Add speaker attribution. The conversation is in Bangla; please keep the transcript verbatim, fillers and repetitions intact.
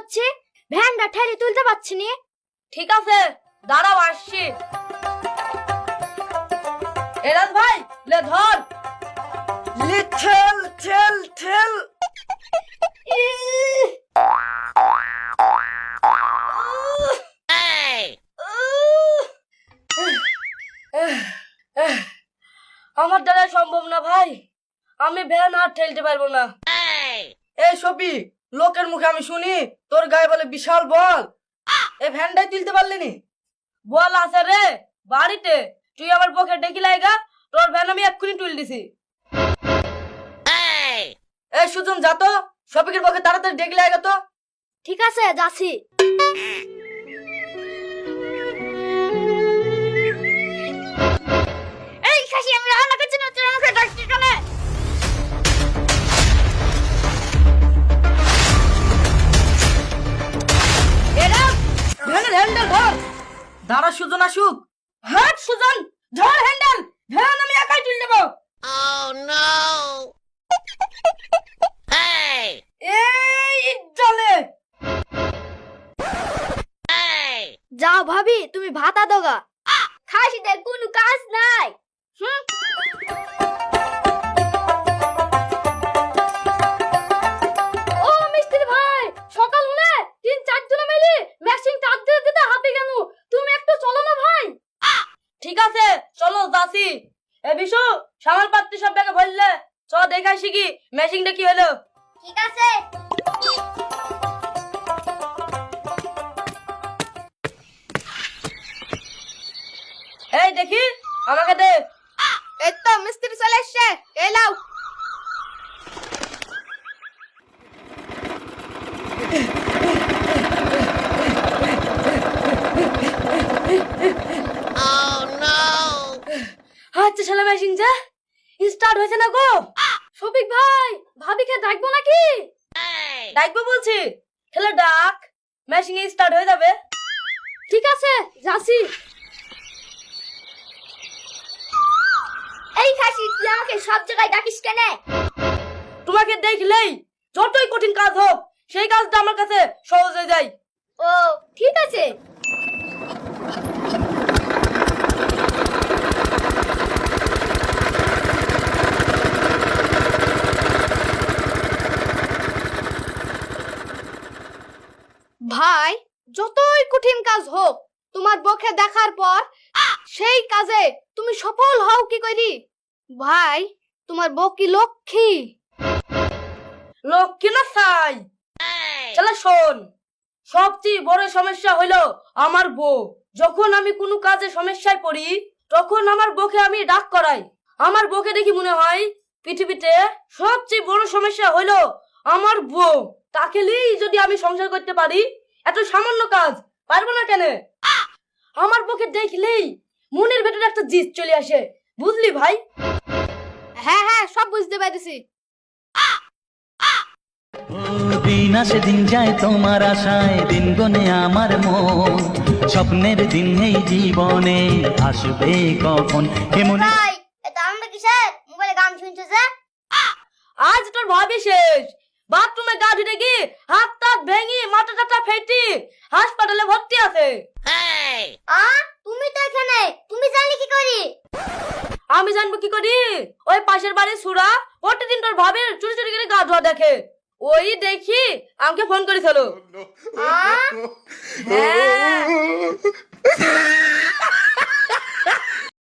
Speaker 1: হচ্ছে, ভ্যানটা ঠেলে তুলতে পারছি নি।
Speaker 2: ঠিক আছে দাঁড়াও আসছি। এরাজ ভাই লে ধর,
Speaker 3: লে ঠেল ঠেল ঠেল।
Speaker 2: আমার দ্বারা সম্ভব না ভাই, আমি ভ্যান আর ঠেলতে পারবো না।
Speaker 3: এই সপি, লোকের মুখে আমি শুনি তোর গায়ে বলে বিশাল বল, এই ভ্যানটাই তুলতে পারলি নি?
Speaker 2: বল আছে রে বাড়িতে, তুই আমার পক্ষে ডেকে লাগা, তোর ভ্যান আমি এক্ষুনি তুল দিছি।
Speaker 3: এই সুজন যা তো, শফিকের পক্ষে তাড়াতাড়ি ডেকে লাগা তো।
Speaker 1: ঠিক আছে যাচ্ছি। এই খাসি, আমি রান্না করছি না, তুই আমাকে ডাকছিস কেন?
Speaker 2: এরাজ ভ্যানের হ্যান্ডেল ধর।
Speaker 3: দাঁড়া সুজন আসুক।
Speaker 2: হাট সুজন, ধর হ্যান্ডেল, ভ্যান আমি একাই তুল দেবো। এই চলে।
Speaker 1: যাও ভাবি, তুমি ভাতা দোগা। খাসিদের কোনো কাজ নাই। হুম। ও মিস্ত্রি ভাই, সকাল হলে তিন চার জন মিলে মেশিন চার দিতে দিতে হাতে গেল, তুমি একটু চলো না ভাই।
Speaker 2: ঠিক আছে চলো যাচ্ছি। এ বিশু, সামাল পাত্রী সব ব্যাগে ভরলে, চ দেখাই শিখি মেশিনটা কি হলো।
Speaker 1: ঠিক আছে।
Speaker 2: এই দেখি আমাকে দে।
Speaker 1: এই তো মিস্ত্রি চলে এসছে, এই লাও।
Speaker 2: আচ্ছা শালা মেশিন যা স্টার্ট হয়েছে না গো।
Speaker 1: শফিক ভাই, ভাবিকে ডাকবো নাকি?
Speaker 2: ডাকবো বলছি, খেলে ডাক, মেশিন স্টার্ট হয়ে যাবে।
Speaker 1: ঠিক আছে যাচ্ছি। এই খাসি, তুই আমাকে সব জায়গায় ডাকিস কেন?
Speaker 2: তোমাকে দেখলেই যতই কঠিন কাজ হোক সেই কাজটা আমার কাছে সহজ হয়ে যায়।
Speaker 1: ও ঠিক আছে। ভাই, যতই কঠিন কাজ হোক, তোমার বউকে দেখার পর সেই কাজে তুমি সফল হও কি করি? ভাই, তোমার বউ কি লক্ষ্মী?
Speaker 2: লক্ষ্মী না চাই। চলে শোন, সবচেয়ে বড় সমস্যা হলো আমার বউ। যখন আমি কোনো কাজে সমস্যায় পড়ি তখন আমার বউকে আমি ডাক করাই। আমার বউকে দেখি মনে হয় পৃথিবীতে সবচেয়ে বড় সমস্যা হলো আমার বউ। তাকে নিয়েই যদি আমি সংসার করতে পারি, এত সামান্য কাজ পারবো না কেন? আমার বউকে দেখলেই মনের ভেতরে একটা জিদ চলে আসে, বুঝলি ভাই?
Speaker 1: হ্যাঁ হ্যাঁ, সব বুঝতে পেরেছি।
Speaker 4: দিন আসে দিন যায় তোমার আশায়, দিন গনে আমার মন, স্বপ্নের দিন এই জীবনে আসবে কখন কেমন।
Speaker 1: ভাই, এটা আমরা কিসের মোবাইলে গান শুনছে যে?
Speaker 2: আজ তোর ভাবি শেষ, বাথরুমে গা ধুতে গিয়ে হাত টাত ভেঙে মাথা টাটা ফেটে হাসপাতালে ভর্তি আছে।
Speaker 1: আ তুমি তো এখানে, তুমি জানলে কি করি?
Speaker 2: আমি জানবো কি করি? ওই পাশের বাড়ির সুরা প্রতিদিন তোর ভাবির চুরি চুরি করে গা ধোয়া দেখে, ওই দেখি আমাকে ফোন করেছিল।
Speaker 1: আ
Speaker 2: হ্যাঁ